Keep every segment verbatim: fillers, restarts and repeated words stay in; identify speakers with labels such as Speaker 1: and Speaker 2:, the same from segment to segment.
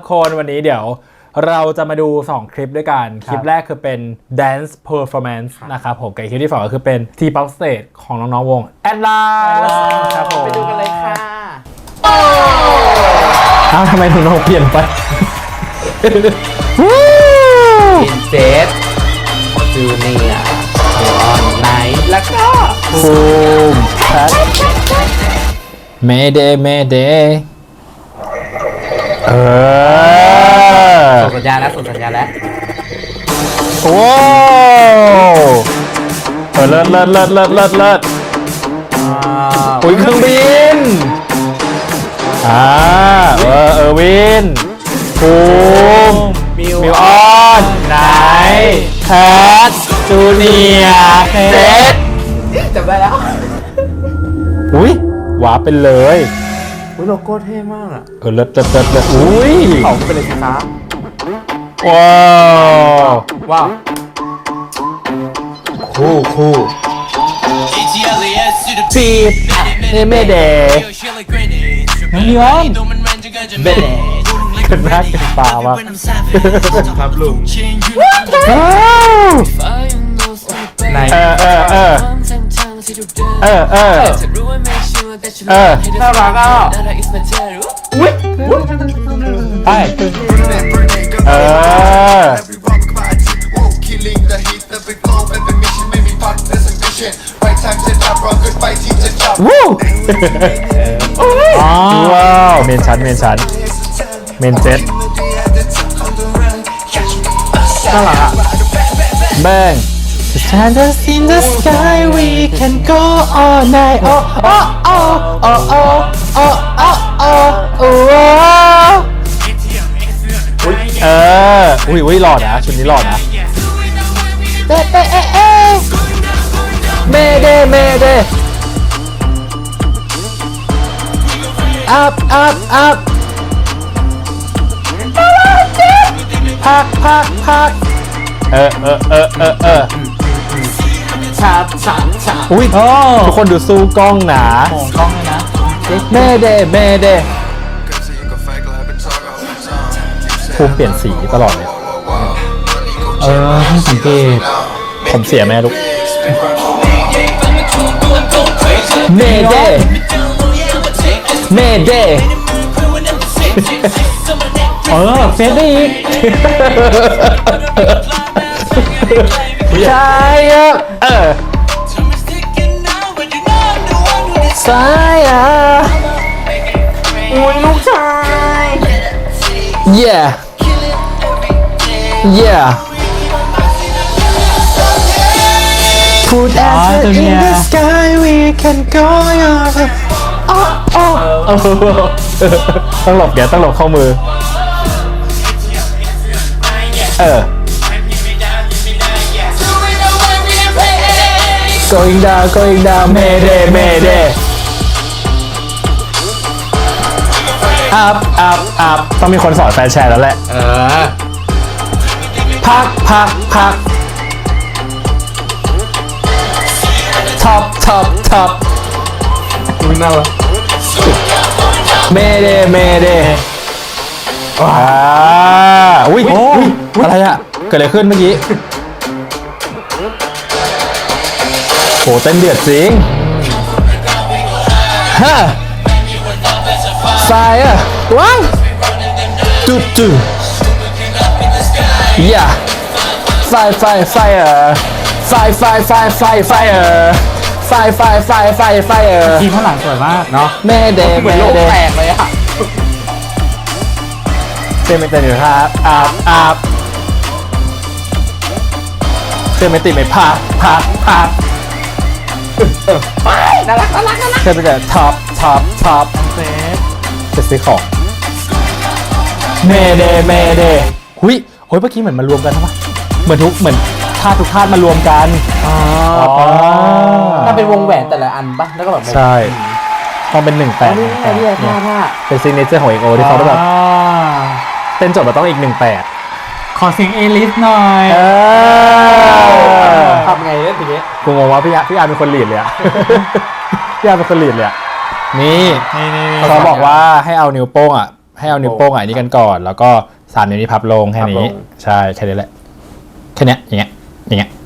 Speaker 1: คนวันนี้เดี๋ยวเราจะมาดูสองคลิปด้วยกันคลิปแรกคือเป็น dance performance นะครับผมกับคลิปที่สองก็คือเป็น T-pop stage ของน้องๆวง Atlas ครับผมไปดูกันเลยค่ะอ้าวทำไมถึงน้องเปลี่ยนไป
Speaker 2: อินเซสจูเนียร์ออนไนท์แล้วก็
Speaker 1: ภูมิแพทเมเดเมเดเออ
Speaker 2: ส่งสัญญาณแล้วส่งสัญญาณแล้ว
Speaker 1: โอ้เออเลิศเลิศเลิศเลิศเลิศเลิศอุ้ยเครื่องบินอ่าเออเออวินภูมิมิวออนไนท์แพทจูเนียร์เซต
Speaker 2: จำได้แล้ว
Speaker 1: อุ้ยว้าเป็นเลย
Speaker 2: อุ้ยโลโก้เท่มากอ่ะ
Speaker 1: เออเลิศเลิศเลิศเลิศอุ้ย
Speaker 2: เขาเป็นเลยสิคะ
Speaker 1: ว้าว
Speaker 2: ว้าวคู่คู่
Speaker 1: ปีบเนเมเดมิวออน
Speaker 2: เบเด
Speaker 1: เกิดหน้าเกิดตามาก
Speaker 2: ครับลุง
Speaker 1: ในเออเออเออเออเออเออ
Speaker 2: น่ารักอ่ะ
Speaker 1: อุ้ยไปเออวู้ว้าวเมนชั้นเมนชั้นเมนเจ็ต
Speaker 2: น่ารักอ่ะ
Speaker 1: แบงStars in the sky we can go all night oh oh oh oh oh oh oh oh oh เอออุ้ยอุ้ยหล่อนะชุดนี้หล่อนะเอ๊ะเอ๊ะเอ๊ะเอ๊ะเมเดเมเด up up up พักพักพักเออเออเออเออเออ
Speaker 2: ชาชาชา
Speaker 1: อุ้ยทุกคนดูสู้กล้องหนา
Speaker 2: โมงกล้องเลยนะ
Speaker 1: เมเดเมเดภูมิเปลี่ยนสีตลอดเลย
Speaker 2: เออเพิ่งสังเกต
Speaker 1: ผมเสียแม่ลูกเมเดเมเด
Speaker 2: เออเฟซได้อีก
Speaker 1: ใช่เออสายอ่ะ
Speaker 2: อุ้ยลูกชาย
Speaker 1: yeah yeah put us in the sky we can go your way oh oh ต้องหลบเดี๋ยวต้องหลบเข้ามือเออ going down going down mayday mayday up up up ต้องมีคนสอนแฟนแชร์แล้วแหละ
Speaker 2: เออ
Speaker 1: พักพักพัก top top top
Speaker 2: อุ้ยน่ารัก
Speaker 1: mayday mayday ว้าอุ้ยอุ้ยอะไรอะเกิดอะไรขึ้นเมื่อกี้โหเต้นเดือดจริงฮะไฟอ่ะว้าวจุดจุดย่าไฟไฟไฟเออไฟไฟไฟไฟไฟเออไฟไฟไฟไฟไฟเออ
Speaker 2: ทีมข้างหลังสวยมากเนาะ
Speaker 1: แม่เดย์
Speaker 2: เหมือนโลกแตกเลยอะ
Speaker 1: เต้นไม่เต้นอยู่ครับอาบอาบเต้นไม่ติดไม่พักพักพัก
Speaker 2: น่ารักน่ารักน่ารัก
Speaker 1: เต้นไปแต่ท็อปท็อปท็อป
Speaker 2: เซฟ
Speaker 1: จะซื้อของเมเดเมเดหุยโอ้ยเมื่อกี้เหมือนมารวมกันใช่ปะเหมือนทุกเหมือนธาตุทุกธาตุมารวมกัน
Speaker 2: อ๋อถ้าเป็นวงแหวนแต่ละอันปะแล้วก็แบบ
Speaker 1: ใช่ต้องเป็นหนึ่งแปด
Speaker 2: นี่นี่นี่
Speaker 1: เป็นซิกเนเจอร์ของเอกโอที่เขาแบบเต้นจบมาต้องอีกหนึ่งแปด
Speaker 2: ขอเสียงเอลิสหน่อยทำไงเนี่ยทีนี้
Speaker 1: กูงงว่าพี่อาพี่อาเป็นคนลีดเลยอะพี่อาเป็นคนลีดเลยอะนี่เขาบอกว่าให้เอานิ้วโป้งอะให้เอานิ้วโป้งอ่ะนี่กันก่อนแล้วก็สามนิ้วนี้พับลงแค่นี้ใช่แค่นี้แหละแค่เนี้ยอย่างเงี้ยอย่างเงี้ย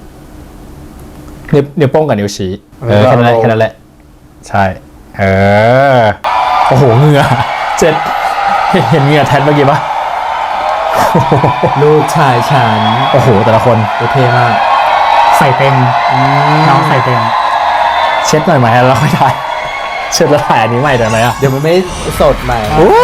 Speaker 1: นิ้วนิ้วโป้งกับนิ้วชี้เออแค่นั้นแหละแค่นั้นแหละใช่เออโอ้โหเหงื่อเจ็ดเห็นเหงื่อแทนเมื่อกี้ปะ
Speaker 2: ลูกชายฉัน
Speaker 1: โอ้โหแต่ละคน
Speaker 2: โอเคมาก
Speaker 3: ใส่เต็มน้องใส่เต็ม
Speaker 1: เช็ดหน่อยไหมแล้วค่อยถ่ายเช็ดแล้วถ่ายอันนี้ใหม่ได้ไหมอ่ะ
Speaker 2: เดี๋ยวมันไม่สดใหม่
Speaker 1: โอ้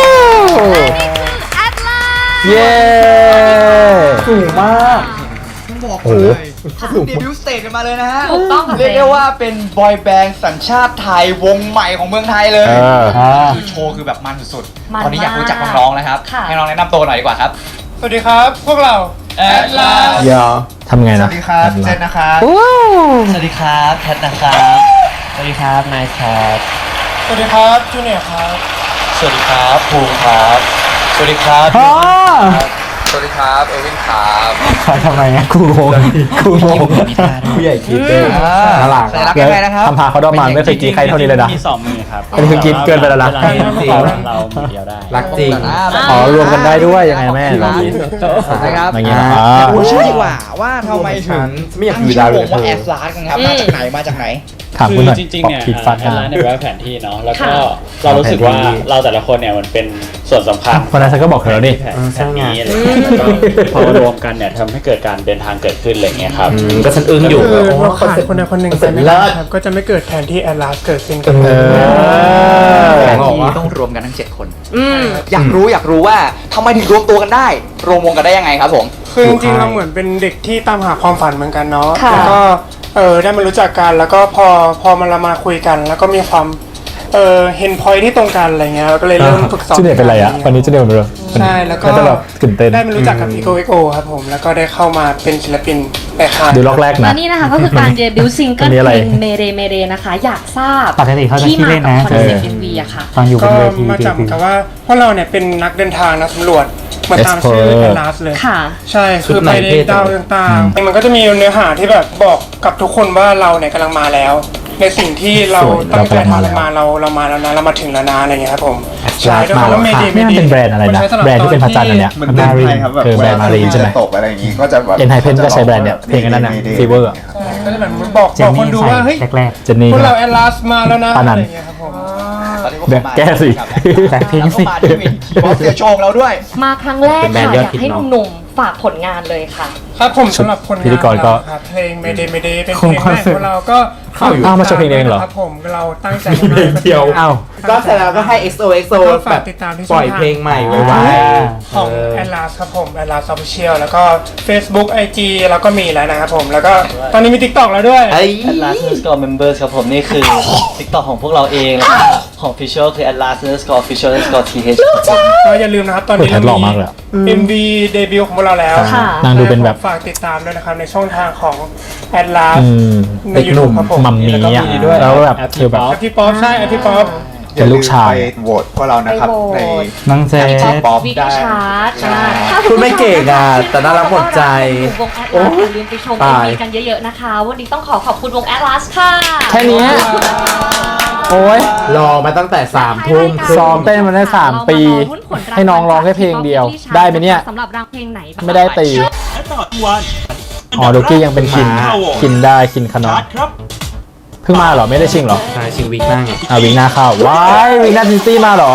Speaker 1: เย้
Speaker 2: สูงมาก
Speaker 4: บอกเลยเขาเพิ่งเดบิวต์สเตจกันมาเลยนะฮะ
Speaker 5: ถูกต้องค่ะ
Speaker 4: เรียกได้ว่าเป็นบอยแบนด์สัญชาติไทยวงใหม่ของเมืองไทยเลย
Speaker 1: เออ
Speaker 4: คือโชว์คือแบบมันสุด
Speaker 5: มัน
Speaker 4: ๆ ตอนนี้อยากรู้จัก
Speaker 5: มาก
Speaker 4: น้องๆนะครับ
Speaker 5: ค่ะ
Speaker 4: ให้น้องแนะนำตัวหน่อยดีกว่าครับ
Speaker 6: สวัสดีครับ พวกเรา
Speaker 4: แอดลาส
Speaker 2: เดี๋ยว
Speaker 1: ทำไง
Speaker 6: ส
Speaker 1: นะ
Speaker 6: วัสดีครับ เจนนะครับ
Speaker 2: สวัสดีครับแพทนะครับ สวัสดีครับนายครับ
Speaker 6: สวัสดีครับจูเนียร์ครับ
Speaker 4: สวัสดีครับภูมิครับ สวัสดีครับ
Speaker 1: อ๋อ
Speaker 4: สวัสดีครับเอวินครับ
Speaker 1: ทำไมอ่ะกูงงกูงง
Speaker 2: ผู้ใหญ่คิดเลยน่ารัก
Speaker 4: สัญลักษณ์ยังไงนะครับ
Speaker 1: ทำพาเขาดอมานไม่เคยกี้ใครเท่านี้เลยนะ
Speaker 3: มีสองมือครับ
Speaker 1: อันนี้คือกินเกินไปแล้วนะ
Speaker 3: เวาเราเรามือเดียวได้
Speaker 2: รักจริง
Speaker 1: อ๋อรวมกันได้ด้วยยังไงแม่ลองดิ
Speaker 4: นะครับ
Speaker 1: อย่างเงี้ยอ่า
Speaker 4: อยากรู้ชื่อดีกว่าว่าทำไมถึง
Speaker 2: ไม่อยาก
Speaker 4: ตั้ง
Speaker 2: อยู่
Speaker 4: ชื่
Speaker 2: ดาว
Speaker 4: อ
Speaker 2: เล
Speaker 4: วย งว่าแอดลาสกันครับมาจากไหนมาจากไหน
Speaker 1: ถาม
Speaker 3: คื
Speaker 1: คุณ
Speaker 3: อ
Speaker 1: หน่อย
Speaker 3: จริงๆเนี่ย
Speaker 1: ผิดฟัน
Speaker 3: แอดไลน์เนี่ยแปลว่าแผนที่เนาะแล้วก็
Speaker 5: ค่ะ
Speaker 3: เรารู้สึกว่าเราแต่ละคนเนี่ยมันเป็นส่วนสำคัญ
Speaker 1: คนนั้นฉันก็บอกเธอแล้วนี่
Speaker 3: แผนแผนนี้อะไรอย่างเงี้ยแล้วก็พอมารวมกันเนี่ยทำให้เกิดการเดินทางเกิดขึ้นอะไรอย่างเงี้ยครับ
Speaker 2: อืมก็ฉันอึ้งอยู่
Speaker 6: คือเราขาดคนใดคนหนึ่งไปไม่
Speaker 2: เลิ
Speaker 6: ได้
Speaker 2: ศ
Speaker 6: ครับ ก็จะไม่เกิดแผนที่แอดลาสเกิดขึ้นกัน
Speaker 1: เออ
Speaker 4: แผนที่ต้องรวมกันทั้งเจ็ดคน
Speaker 5: อืม
Speaker 4: อยากรู้อยากรู้ว่าทำไมถึงรวมตัวกันได้ รวมวงกันได้ยังไงครับผม
Speaker 6: คือจริงๆเราเหมือนเป็นเด็กที่ตามหาความฝันเหมือนกันเนาะ
Speaker 5: ค่ะ
Speaker 6: แล้วก็เออได้มารู้จักกัน แล้วก็พอพอมันเรามาคุยกัน แล้วก็มีความเออเห็นพอยที่ตรงกันอะไรเงี้ยเราก็เลยเริ่มฝึกซ้อม
Speaker 1: จูเนียร์เป็นไรอ่ะวันนี้จูเนียร์เป็นไร
Speaker 6: ใช่แล้วก็
Speaker 1: าจะแบบตื่นเต้น
Speaker 6: ได้มารู้จักกับอีโกเอ็กโอครับผม แล้วก็ได้เข้ามาเป็นศิลปินในค่าย
Speaker 1: ดูล็อกแรก
Speaker 5: และ
Speaker 1: นะ
Speaker 5: นี่นะคะก็คือการเดบิวต์ซิงเกิล
Speaker 1: อันนี้อะไร
Speaker 5: เพลงเมเรเมเรนะคะ อยากทราบ
Speaker 3: ปกติเขาจะ
Speaker 5: ที่
Speaker 3: ขี้
Speaker 5: มา
Speaker 3: เล่น
Speaker 5: กับ
Speaker 3: นะ
Speaker 5: คอนเซ็ปต์
Speaker 1: เออ
Speaker 5: เอ็มวีอะค่ะ
Speaker 3: ตอนอยู่บ
Speaker 6: ก็
Speaker 3: นเวที
Speaker 6: มาจากเหมือนกับว่าพวกเราเนี่ยเป็นนักเดินทางนักสำรวจเหมือนตามชื่อ
Speaker 1: Explorer
Speaker 6: แอนลาสเลย
Speaker 5: ค่ะ
Speaker 6: ใช่คือไปในดาวต่างๆมันก็จะมีเนื้อหาที่แบบบอกกับทุกคนว่าเราเนี่ยกำลังมาแล้ว ในสิ่งที่เรา
Speaker 1: สวย
Speaker 6: ตั้งใจ
Speaker 1: เรากำลังมา
Speaker 6: ทำ
Speaker 1: แล้ว
Speaker 6: มาเราเรามาแล้วนะเรามาถึงแล้วนะอะไรเงี้ยครับผม
Speaker 2: Atlas
Speaker 6: ใช่ด้วยความว่าเมดี
Speaker 1: นี่มันเป็นแบรนด์อะไรนะแบรนด์ที่เป็นพระจันทร์อันเนี้ย
Speaker 7: มันเป็นไทยครับแบบ
Speaker 1: คือแบรนด์มารีนใช่ไหม
Speaker 7: ตกอะไรอย่างงี้ก็จะแบบ
Speaker 1: เอ็นไฮเพนก็ใช้แบรนด์เนี่ยเพลงอันนั้นน่ะ Fever อะ
Speaker 6: ใช่ก็จะแบบบอกบอกคนดูว่าเฮ้ย
Speaker 3: แรก
Speaker 1: เจนนี่
Speaker 6: พวก
Speaker 1: ใช่
Speaker 6: เรา
Speaker 1: ไหม
Speaker 6: แอนลาสมาแล้วนะ
Speaker 1: ปานั
Speaker 6: อะ
Speaker 1: น
Speaker 6: ไรเงี้ยครับผม
Speaker 4: ตอนนี้พวก
Speaker 1: แบ
Speaker 4: เขา
Speaker 1: บ
Speaker 4: มา
Speaker 1: แก้สิ
Speaker 3: แบ็คพิงค์สิ
Speaker 4: แล้วก็มาที่เวทีบอสเสียโชว์เราด้วย
Speaker 5: มาครั้งแรก
Speaker 2: เป็นแบรน
Speaker 5: ค่ะ
Speaker 2: ด์ย
Speaker 5: อ
Speaker 2: อด
Speaker 5: ยาก
Speaker 2: ฮิต
Speaker 5: ให้
Speaker 2: เนอะ
Speaker 5: หนุ่มๆฝากผลงานเลยค่ะ
Speaker 6: ครับผมสำหรับคน
Speaker 1: พิธีกรก็
Speaker 6: ครับเพลงเมเดเมเดเป็นเพลงแรกของเราก็
Speaker 1: เข้าอยู่อ้าวมาโชว์เพลงเองเหรอ
Speaker 6: ครับผมเราตั้งใจมาก
Speaker 2: เดียว
Speaker 1: อ้าว
Speaker 2: ก็เสร็จแล้วก็ให้ เอ็กซ์ โอ เอ็กซ์ โอ
Speaker 6: ก็
Speaker 2: แบ
Speaker 6: ฝาก
Speaker 2: บ
Speaker 6: ติดตามที่
Speaker 2: ปล่อยเพลงใหม่ไว้ไว้
Speaker 6: ของ
Speaker 2: เออ
Speaker 6: แอนลาสครับผมแอนลาสออฟฟิเชียลแล้วก็ Facebook ไอ จี แล้วก็มีแล้วนะครับผมแล้วก็ตอนนี้มี TikTok แล้วด้วย
Speaker 2: ไอ้
Speaker 8: Atlas Underscore Members ครับผมนี่คือ TikTok ของพวกเราเองแล้วก็ของ Official คือ Atlas Underscore Official Underscore ที เอช ครับผม
Speaker 6: ก็อย่าลืมนะครับ ตอนนี้
Speaker 1: โอ้ยแพทหล่อมากเลยอะ
Speaker 6: เอ็ม วี เดบิวต์ของพวกเราแล้ว
Speaker 5: ค่ะ
Speaker 1: นางดูเป็นแบบ
Speaker 6: ฝากติดตามด้วยนะครับในช่องทางของแอนลาส
Speaker 1: อืม
Speaker 6: ใน
Speaker 1: เด็กหนุ่ม
Speaker 6: YouTube ครับผม
Speaker 1: มัมมี่อ่ะ
Speaker 6: แล้วก็มีด้วย
Speaker 1: แล้วแบบคือแบบ
Speaker 6: แอปพี่ป๊อปใช่แอปพี่ป๊อป
Speaker 1: เป็นลูกชาย
Speaker 7: ไปโหวตพวกเรานะครับ
Speaker 5: ไป
Speaker 7: ใน
Speaker 5: โหวต
Speaker 3: น้องเจ
Speaker 7: ป๊อป
Speaker 5: วิก
Speaker 7: ได้
Speaker 5: ชาร์ต
Speaker 7: ใช่
Speaker 2: พูดไม่เก่งอ่ะแต่น่ารักหมดใจ
Speaker 5: วงแอดลาสอย่าลืมไปชม
Speaker 2: ตาย
Speaker 5: เอ็มวีกันเยอะๆนะคะ วันนี้ต้องขอขอบคุณวงแอดลาสค่ะ
Speaker 1: แค่เนี้ยโอ้ย
Speaker 2: รอมาตั้งแต่สามทุ่มครึ่ง
Speaker 1: ซ้อมเต้นมาได้สามปี ให้น้องร้องแค่เพลงเดียว ได้ไหมเนี่ย
Speaker 5: สำหรับรางเพลงไหนบ้าง
Speaker 1: ไม่ได้ตีอ๋อโดกี้ยังเป็นคินคินได้คินขนมเพิ่งมาเหรอไม่ได้ชิงเหรอ
Speaker 2: ใช่ชิงวิกหน้าไง
Speaker 1: อ่ะวิงหน้าเข้าว้ายวิงหน้าซินซี่มาเหรอ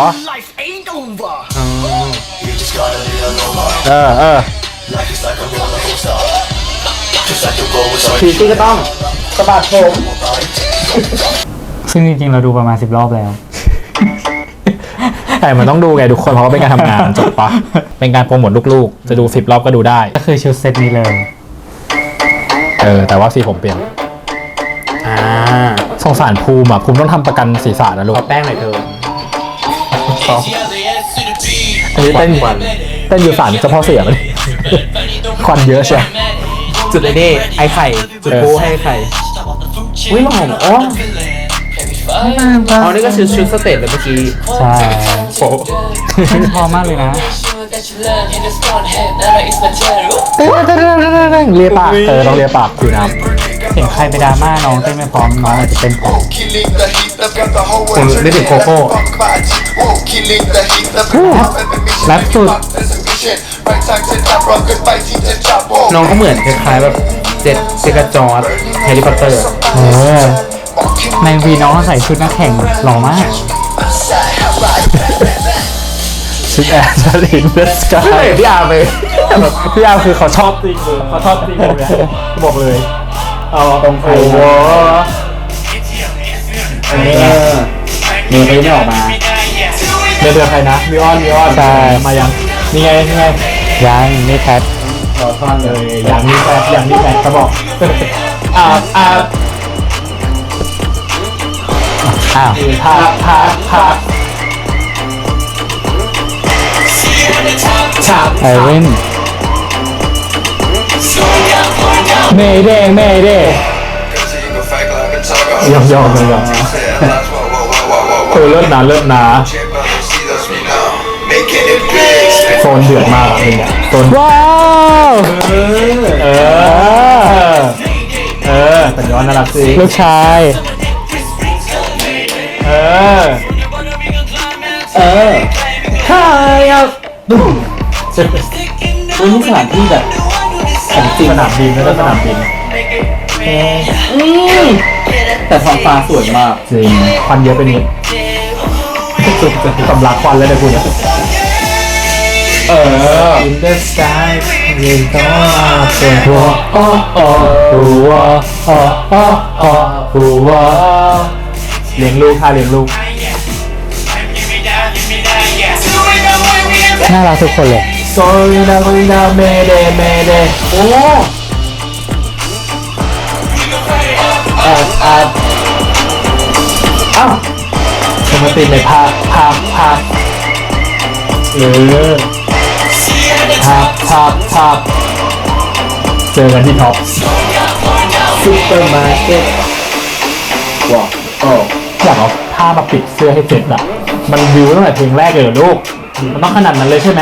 Speaker 1: เออเออ
Speaker 2: พีตี้ก็ต้องสะบัดผม
Speaker 3: ซึ่งจริงๆ เราดูประมาณสิบรอบแล้ว
Speaker 1: แต่มันต้องดูไงทุกคนเพราะว่าเป็นการทำงานจบปะเป็นการโปรโมทลูกๆ จะดูสิบรอบก็ดูได้
Speaker 3: ก็คือชุดเซตนี้เลย
Speaker 1: เออแต่ว่าสีผมเปลี่ยน
Speaker 2: อ่า
Speaker 1: สงสารภูมิอ่ะภูมิต้องทำประกันศีรษะนะลูก
Speaker 2: ขอแป้งหน่อยเธอ
Speaker 1: อันนี้เต้น
Speaker 2: ควัน
Speaker 1: เต้นอยู่สารเฉพาะเสียมัน ควันเยอะใช่
Speaker 2: จุดไอ้นี่ไอ้ไข่ จุดโป้ให้ไอ้ไข่อุ้ยหอมอ๋ออ๋อนี่ก็ชุดชุดสเตจเลยเมื่อกี้
Speaker 3: ใช่
Speaker 2: โป๊ะ
Speaker 3: เต้นพอมากเลยนะ
Speaker 1: เลียปากเออต้องเลียปากผิวน้เห็นใครไปดราม่าน้องเต้นไม่พร้อมน้องอาจจะเต้นพร้อม
Speaker 2: คุณนึกถึงโคโค่แรปสุดน้องก็เหมือนคล้ายๆแบบเจ็ดเซกาจอร์ดแฮร์รี่พอตเตอร์
Speaker 1: เออในวีน้องใส่ชุดนักแข่งหล่อมากชุดแอร์จะลินเดสกายพี่อาร์เลยพี่อาร์คือเขาชอบจริงเลยเขาชอบจริงเลยบอกเลยเอาตรงโอ้โห
Speaker 2: อันนี้มีเพลงไม่ออกมา
Speaker 1: เดือดเดือดใครนะมิออนมิออนใช่มายังนี่ไงนี่ไงยังนี่แพท
Speaker 2: รอท่อนเล
Speaker 1: เลย ยยังนี่แพทยังนี่แพทเขาบอกอ่าอ่าอ้าวพาพาพาชาไอเว่นเมย์เด้เมย์เด้ยอมยอมเลยยอมโอ้เลิศนะเลิศนะโซนเดือดมากเลยเนี่ยโซนว้าวเออเออแต่ย้อนน่ารักสิลูกชายเออ
Speaker 2: เอ
Speaker 1: เอ
Speaker 2: อ
Speaker 1: ใช่ครับดู
Speaker 2: วันนี้สถานที่แบบของจริง
Speaker 1: สนามบินแล้วก็สนามบิน
Speaker 2: แต่ท้องฟ้าสวยมาก
Speaker 1: จริงควันเยอะไปนิดสุดสำลักควันเลยนะคุณเนี่ยเออ In the sky ยืนต่อเป็นหัวอ้ออ้อหัวอ้ออ้ออ้อหัวเลี้ยงลูกค่ะเลี้ยงลูกน่ารักทุกคนเลย Sorry na sorry na Mayday Mayday โอ้แอบแอบอ้าวสมมติในภาคภาคภาคเออภาคภาคภาคเจอกันที่ท็อปซุปเปอร์มาร์เก็ตว้าวโอ้อยากเอาผ้ามาปิดเสื้อให้เสร็จอะมันวิวตั้งแต่เพลงแรกเลยเหรอลูกมันต้องขนาดนั้นเลยใช่ไหม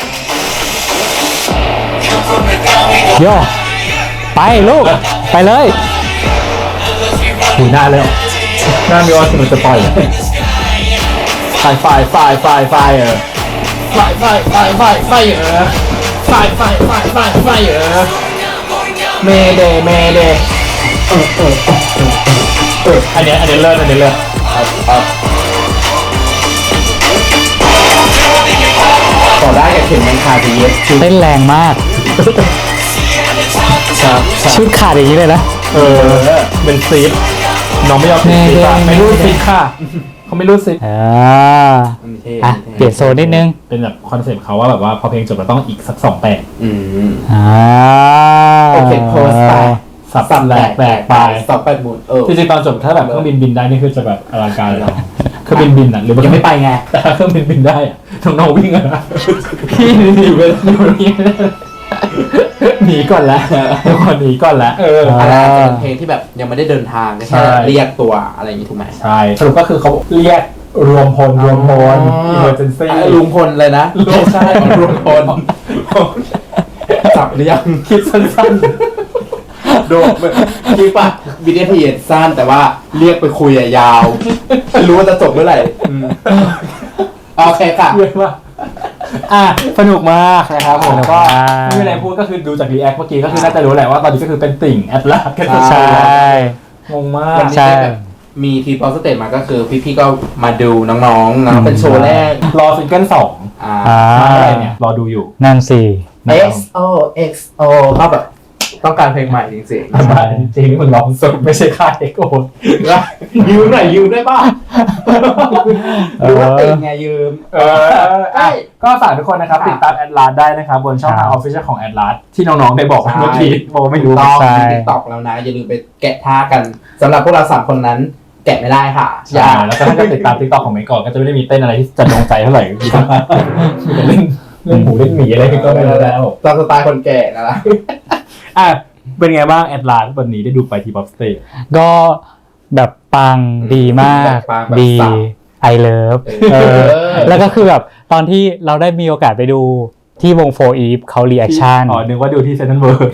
Speaker 1: โย่ไปลูกไปเลยหูหน้าเลยหน้ามีออนสนุกจะปล่อยไฟไฟไฟไฟไฟเออไฟไฟไฟไฟไฟเออไฟไฟไฟไฟไฟเออเมเดเมเดเออเออเอออันนี้อันนี้เลิศอันนี้เลิศ
Speaker 2: ต่อได้กับเข็มมันคาดี
Speaker 1: เต้นแรงมากชุดขาดอย่างนี้เลยนะเออเป็นซีฟน้องไม่ยอมซีฟไม่รู้ซีฟค่ะเขาไม่รู้ซีฟอ่าอ่ะเปลี่ยนโซนนิดนึงเป็นแบบคอนเซ็ปต์เขาว่าแบบว่าพอเพลงจบเราต้องอีกสักสองแปด
Speaker 2: อืม
Speaker 1: อ่า
Speaker 2: โอเคโพสต์ไป
Speaker 1: สับสับแหลกแหลกไป
Speaker 2: สอบไปหมดเออ
Speaker 1: จริงๆตอนจบถ้าแบบเครื่องบินบินได้นี่คือจะแบบอลังการเลยเครื่องบินบินอ่ะหรือ
Speaker 2: ยังไม่ไปไง
Speaker 1: แต่ถ้าเครื่องบินบินได้อ่ะน้องๆวิ่งอ่ะพี่หนีไปอยู่นี่หนีก่อนแล้วทุกคนหนีก่อนแล้วเออ
Speaker 2: อาจจะเป็นเพลงที่แบบยังไม่ได้เดินทางแค่เรียกตัวอะไรอย่างนี้ถูกไหม
Speaker 1: ใช่สรุปก็คือเขาเรียกรวมพลรวมพล emergency
Speaker 2: ลุงพลเลยนะ
Speaker 1: ใช่รวมพล
Speaker 2: จับหรือยัง
Speaker 1: คิดสั้น
Speaker 2: โดนคิดป่ะวิดีโอทีสั้นแต่ว่าเรียกไปคุยยาวไม่รู้ว่าจะจบเมื่อไหร่โอเคค่ะ
Speaker 1: ๆเยอะมากอ่ะสนุกมากนะครับผมก็ไม่มีอะไรพูดก็คือดูจากรีแอคเมื่อกี้ก็คือน่าจะรู้แหละว่าตอนนี้ก็คือเป็นติ่งแอดลาสกันใช่งงมาก
Speaker 2: วันนี้แบบมีทีป๊อปสเตจมาก็คือพี่ๆก็มาดูน้องๆนะเป็นโชว์แรก
Speaker 1: รอซิงเกิลสอง
Speaker 2: อ่า
Speaker 1: อะไรเนี่ยรอดูอยู่
Speaker 9: นั่นสิ
Speaker 2: เอ็กซ์ โอ เอ็กซ์ โอ เขาแบบต้องการเพลงใหม่จริง
Speaker 1: จริงจริงมันร้องสดไม่ใช่ค่ายเอ็กโอ
Speaker 2: ๆยืมหน่อยยืมได้ป่ะหรือว่าติดไงยืม
Speaker 1: เอออ่ะก็ฝากทุกคนนะครับติดตามแอดลาสได้นะครับบนช่องทางออฟฟิเชียลของแอดลาสที่น้องๆได้บอกเมื่อกี้โบไม่รู้
Speaker 2: ต้อง
Speaker 1: ใช่
Speaker 2: มีติ๊กต็อกแล้วนะ อย่าลืมไปแกะท่ากันสำหรับพวกเราสามคนนั้นแกะไม่ได้ค่ะ
Speaker 1: ใช่แล้วก็ถ้าจะติดตามทิกตอกของเมย์ก่อนก็จะไม่ได้มีเต้นอะไรที่จะโดนใจเท่าไหร่มีแต่เล่นเล่นหมูเล่นหมีอะไรก็ไม่รู้แล้ว
Speaker 2: ตามสไตล์คนแก่นะล่ะ
Speaker 1: อ่ะเป็นไงบ้างแอดลาสวันนี้ได้ดูไปที่ป๊อปสเตจ
Speaker 9: ก็แบบปังดีมาก
Speaker 2: ปังแบบ
Speaker 9: ดี
Speaker 2: สับ
Speaker 9: ไอเลิฟ
Speaker 2: เออ
Speaker 9: แล้วก็คือแบบตอนที่เราได้มีโอกาสไปดูที่วงโฟอีฟเขารีแอคชั่น
Speaker 1: อ๋อนึกว่าดูที่เซนต์เวิร์ด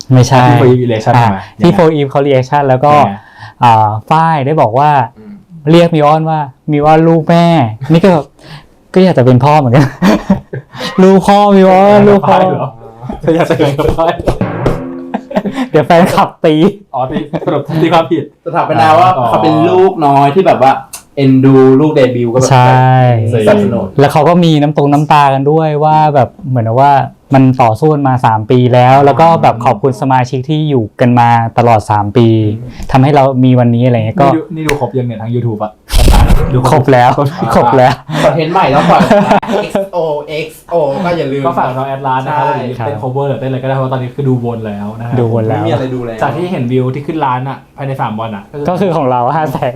Speaker 9: ไม่ใช่
Speaker 1: ที่ For Eve Reaction
Speaker 9: อ่า
Speaker 1: ใช่ไหม
Speaker 9: ที่
Speaker 1: ยังไง
Speaker 9: โฟอีฟเขาเรีแอคชั่นแล้วก็
Speaker 1: ยังไง
Speaker 9: อ่าฝ้ายได้บอกว่า เรียกมิวออนว่ามิวออนลูกแม่ นี่ก็แบบก็อยากจะเป็นพ่อเหมือนกัน ลูกพ่อมิวออนลูกพ่อ
Speaker 1: เหรอเธออยากจะเป็นกับพ่อ
Speaker 9: เดี๋ยวแฟนขับตี
Speaker 1: อ๋อที่สรุปที่ความผิด
Speaker 2: สถาปนาว่า
Speaker 1: อ๋อ
Speaker 2: เขาเป็นลูกน้อยที่แบบว่าเอ็นดูลูกเดบิวต์ก็แบบ
Speaker 9: ใช่
Speaker 2: สนับสนุน
Speaker 9: แล้วเขาก็มีน้ำตรงน้ำตากันด้วยว่าแบบเหมือนว่ามันต่อสู้กันมาสามปีแล้ว แล้วก็แบบขอบคุณสมาชิกที่อยู่กันมาตลอดสามปีทำให้เรามีวันนี้อะไรเงี้ยก็
Speaker 1: นี่ดูนี่ดูครบยังเนี่ยทั้ง YouTube อ่ะดู
Speaker 9: ครบแล้วครบแล้ว
Speaker 2: คอนเทนต์ใหม่แล้วก่อน เอ็กซ์ โอ เอ็กซ์ โอ ก็อย่าลืม
Speaker 1: ก็ฝากน้องแอดลานนะครับ
Speaker 2: ใช่
Speaker 1: เต้น cover หรือเต้นอะไรก็ได้เพราะว่าตอนนี้คือดูวนแล้วนะครั
Speaker 9: ดูวนแล้ว
Speaker 2: ไม่มีอะไรดูแล้ว
Speaker 1: จากที่เห็นวิวที่ขึ้นร้านอ่ะภายในสามวันอ่ะ
Speaker 9: ก็คือของเราห้าแสน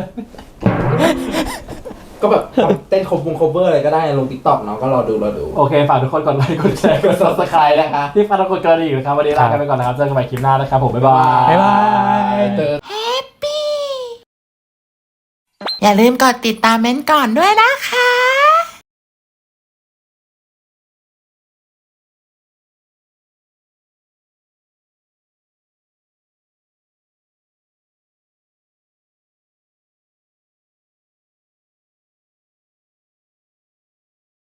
Speaker 2: ก็แบบเต้นคอมวง cover อะไรก็ได้ลง TikTok เนาะก็รอดูรอดู
Speaker 1: โอเคฝากทุกคนกดไลค์กดแชร์กด subscribe นะคะที่ฟังทุกคนกันดีอยู่ครับวันนี้ลากันไปก่อนนะครับเจอกันใหม่คลิปหน้านะครับผมบ๊ายบาย
Speaker 9: บ๊ายบาย
Speaker 2: เจอ
Speaker 10: อย่าลืมกดติดตามเม้นท์ก่อนด้วยนะคะ